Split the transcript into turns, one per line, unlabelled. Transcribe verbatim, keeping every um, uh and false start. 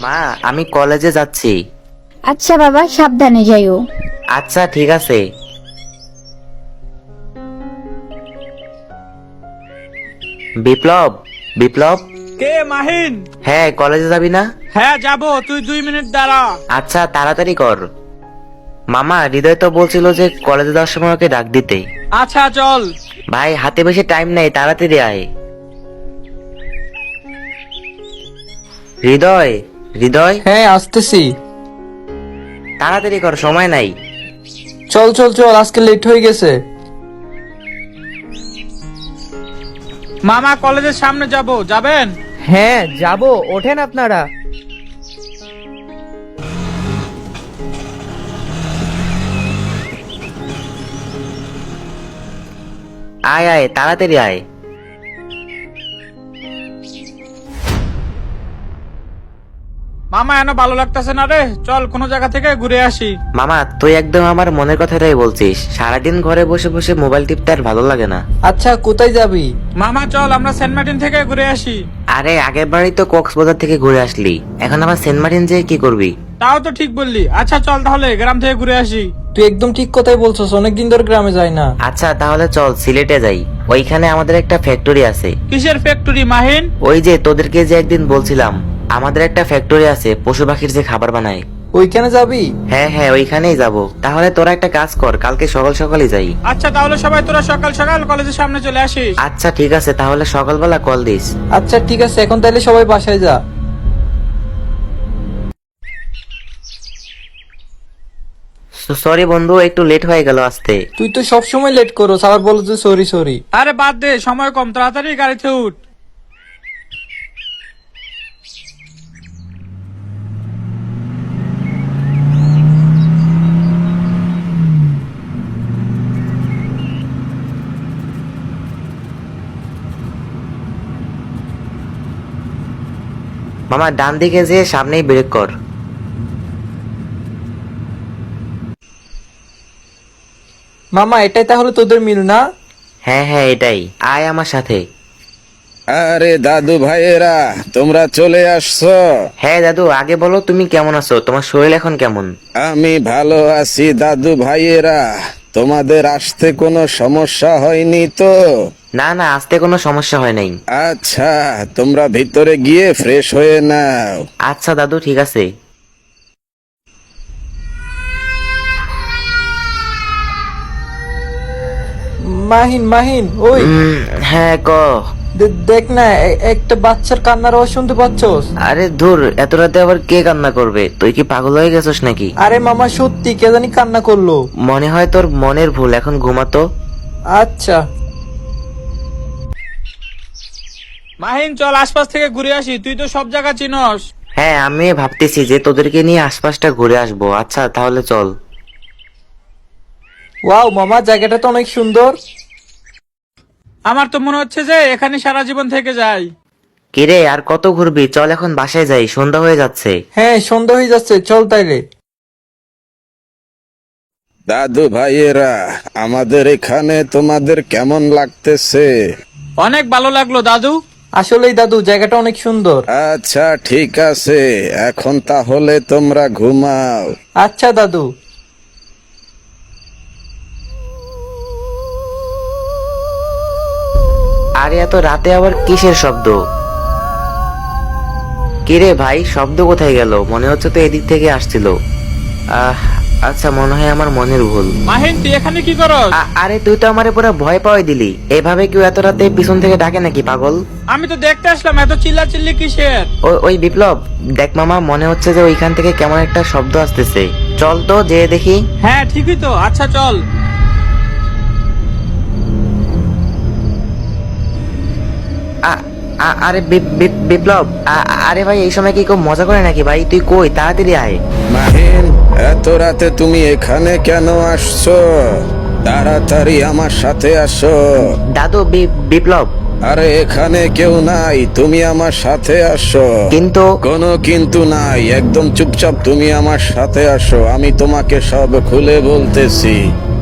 মা, আমি কলেজে যাচ্ছি।
আচ্ছা বাবা, সাবধানে যাইও।
আচ্ছা ঠিক আছে। বিপ্লব, বিপ্লব।
কে মাহিন?
হ্যাঁ, কলেজে যাবি না?
হ্যাঁ যাবো, তুই দুই মিনিট দাঁড়া।
আচ্ছা তাড়াতাড়ি কর। মামা, হৃদয় তো বলছিল যে কলেজে যাওয়ার সময় ওকে ডাক দিতে।
আচ্ছা চল।
ভাই, হাতে বেশি টাইম নেই, তাড়াতাড়ি আয়। হৃদয়, হৃদয়,
হ্যাঁ আসতেছি।
তাড়াতাড়ি কর, সময় নাই।
চল চল চল, আজকে লেট হয়ে গেছে।
মামা কলেজের সামনে যাব, যাবেন?
হ্যাঁ যাব, ওঠেন আপনারা।
আয় আয়, তাড়াতাড়ি আয়।
মামা এনে ভালো লাগতেছে না রে, চল কোনো জায়গা থেকে ঘুরে আসি।
মামা, তুই একদম আমার মনের কথাটাই বলছিস। সারাদিন ঘরে বসে বসে মোবাইল টিপতে আর ভালো লাগে না।
আচ্ছা কোথায় যাবি?
মামা চল আমরা সেন্ট মার্টিন থেকে ঘুরে আসি।
আরে, আগের বারই তো কক্সবাজার থেকে ঘুরে আসলি, এখন আবার সেন্ট মার্টিন যেয়ে কি করবি?
তাও তো ঠিক বললি। আচ্ছা চল তাহলে গ্রাম থেকে ঘুরে আসি।
তুই একদম ঠিক কথাই বলছস, অনেকদিন ধরে গ্রামে যাই না।
আচ্ছা তাহলে চল সিলেটে যাই। ওইখানে আমাদের একটা ফ্যাক্টরি আছে।
কিসের ফ্যাক্টরি মাহিন?
ওই যে তোদেরকে যে একদিন বলছিলাম, আমাদের একটা ফ্যাক্টরি আছে পশু পাখির যে খাবার বানায়।
ওইখানে যাবি?
হ্যাঁ হ্যাঁ, ওইখানেই যাব। তাহলে তোরা একটা কাজ কর, কালকে সকাল সকালই যাই।
আচ্ছা তাহলে সবাই তোরা সকাল সকাল কলেজের সামনে চলে আসিস।
আচ্ছা ঠিক আছে, তাহলে সকালবেলা কল দিস।
আচ্ছা ঠিক আছে, এখন তাহলে সবাই বাসায় যা।
সরি বন্ধু, একটু লেট হয়ে গেল আসতে।
তুই তো সব সময় লেট করস, আবার বলো যে সরি সরি।
আরে বাদ দে, সময় কম, তাড়াতাড়ি গাড়িতে উঠ।
মামা, ডান দিকে যে সামনেই ব্রেক কর।
মামা এটাই তাহলে তোদের মিল না?
হ্যাঁ হ্যাঁ, এটাই। আয় আমার সাথে।
আরে দাদু ভাইয়েরা, তোমরা চলে আসছো।
হ্যাঁ দাদু, আগে বলো তুমি কেমন আছো, তোমার শরীর এখন কেমন?
আমি ভালো আছি দাদু ভাইয়েরা। তোমাদের আসতে কোনো সমস্যা হয়নি তো?
না না, আসতে কোনো সমস্যা হয় নাই।
আচ্ছা, তোমরা ভিতরে গিয়ে ফ্রেশ হয়ে নাও।
আচ্ছা দাদু, ঠিক আছে।
মাহিন মাহিন, ওই
উম, হ্যাঁ ক।
দে- দেখ না, এ- একটা বাচ্চার কান্নার আওয়াজ শুনতে পাচ্ছস?
আরে ধুর, এত রাতে আবার কে কান্না করবে? তুই কি পাগল হয়ে গেছিস নাকি?
আরে মামা সত্যি, কে জানি কান্না করলো।
মনে হয় তোর মনের ভুল, এখন ঘুমাতো।
আচ্ছা
মাহিন চল আশপাশ থেকে ঘুরে আসি, তুই তো সব জায়গা চিনস।
হ্যাঁ, আমি ভাবতেছি যে তোদেরকে নিয়ে আশপাশটা ঘুরে আসবো। আচ্ছা তাহলে চল।
ওয়াও মামা, জায়গাটা তো অনেক সুন্দর।
আমার তো মনে হচ্ছে যে এখানে সারা জীবন থেকে যাই।
কিরে, আর কত ঘুরবি? চল এখন বাসায় যাই, সন্ধ্যা হয়ে যাচ্ছে।
হ্যাঁ সন্ধ্যা হয়ে যাচ্ছে, চল তাইলে।
দাদু ভাইয়েরা, আমাদের এখানে তোমাদের কেমন লাগতেছে?
অনেক ভালো লাগলো দাদু।
আসলেই দাদু, জায়গাটা অনেক সুন্দর।
আচ্ছা ঠিক আছে, এখন তাহলে তোমরা ঘুমাও।
আচ্ছা দাদু।
আর এত রাতে আবার কিসের শব্দ? কিরে ভাই, শব্দ কোথায় গেল? মনে হচ্ছে তো এদিক থেকে আসছিল। আহ আচ্ছা, মনে হয় আমার মনের ভুল।
মাহিন তুই এখানে কি করস?
আ- আরে তুই তো আমারে পুরো ভয় পাওয়াই দিলি। এভাবে কেউ এত রাতে পিছন থেকে ডাকে নাকি, পাগল?
আমি তো দেখতে আসলাম, এত চিল্লা চিল্লি কিসের?
ওই ওই বিপ্লব, দেখ মামা, মনে হচ্ছে যে ওইখান থেকে কেমন একটা শব্দ আসতেছে। চল তো যে দেখি।
হ্যাঁ ঠিকই তো, আচ্ছা চল।
আ- আ- আরে বি- বি- বিপ্লব, আ- আরে ভাই, এই সময় কি কেউ মজা করে নাকি? ভাই তুই কই, তাড়াতাড়ি আয়।
মাহিন, এত রাতে তুমি এখানে কেন আসছো? তাড়াতাড়ি আমার সাথে আসো।
দাদু, বি- বিপ্লব।
আরে এখানে কেউ নাই, তুমি আমার সাথে আসো।
কিন্তু
কোনো কিন্তু নাই, একদম চুপচাপ তুমি আমার সাথে আসো, আমি তোমাকে সব খুলে বলতেছি।